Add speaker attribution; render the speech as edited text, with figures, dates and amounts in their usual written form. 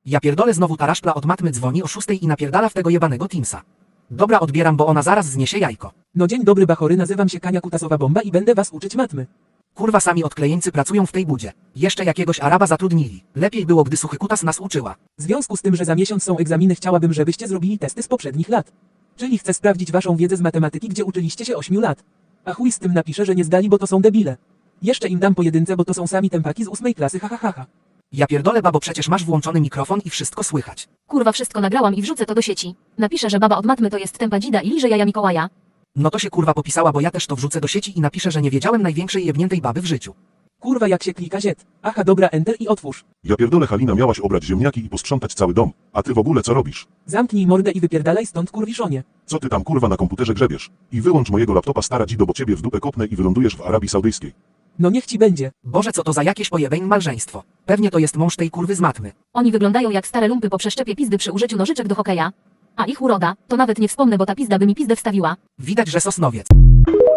Speaker 1: Ja pierdolę, znowu ta raszpla od matmy dzwoni o 6 i napierdala w tego jebanego Teamsa. Dobra, odbieram, bo ona zaraz zniesie jajko.
Speaker 2: No dzień dobry bachory, nazywam się Kania Kutasowa Bomba i będę was uczyć matmy.
Speaker 1: Kurwa, sami odklejeńcy pracują w tej budzie. Jeszcze jakiegoś Araba zatrudnili. Lepiej było, gdy suchy kutas nas uczyła.
Speaker 2: W związku z tym, że za miesiąc są egzaminy, chciałabym, żebyście zrobili testy z poprzednich lat. Czyli chcę sprawdzić waszą wiedzę z matematyki, gdzie uczyliście się 8 lat. A chuj z tym, napiszę, że nie zdali, bo to są debile. Jeszcze im dam po jedynce, bo to są sami tempaki z 8 klasy, ha ha ha ha.
Speaker 1: Ja pierdolę, babo, przecież masz włączony mikrofon i wszystko słychać.
Speaker 3: Kurwa, wszystko nagrałam i wrzucę to do sieci. Napiszę, że baba od matmy to jest tempa dzida i liże jaja Mikołaja.
Speaker 1: No to się kurwa popisała, bo ja też to wrzucę do sieci i napiszę, że nie wiedziałem największej jebniętej baby w życiu.
Speaker 2: Kurwa, jak się klika ziet. Aha, dobra, enter i otwórz.
Speaker 4: Ja pierdolę, Halina, miałaś obrać ziemniaki i posprzątać cały dom. A ty w ogóle co robisz?
Speaker 2: Zamknij mordę i wypierdalaj stąd, kurwiszonie.
Speaker 4: Co ty tam kurwa na komputerze grzebiesz? I wyłącz mojego laptopa, stara dzido, bo ciebie w dupę kopnę i wylądujesz w Arabii Saudyjskiej.
Speaker 2: No niech ci będzie.
Speaker 1: Boże, co to za jakieś pojebeń małżeństwo. Pewnie to jest mąż tej kurwy z matmy.
Speaker 3: Oni wyglądają jak stare lumpy po przeszczepie pizdy przy użyciu nożyczek do hokeja. A ich uroda, to nawet nie wspomnę, bo ta pizda by mi pizdę wstawiła.
Speaker 1: Widać, że Sosnowiec.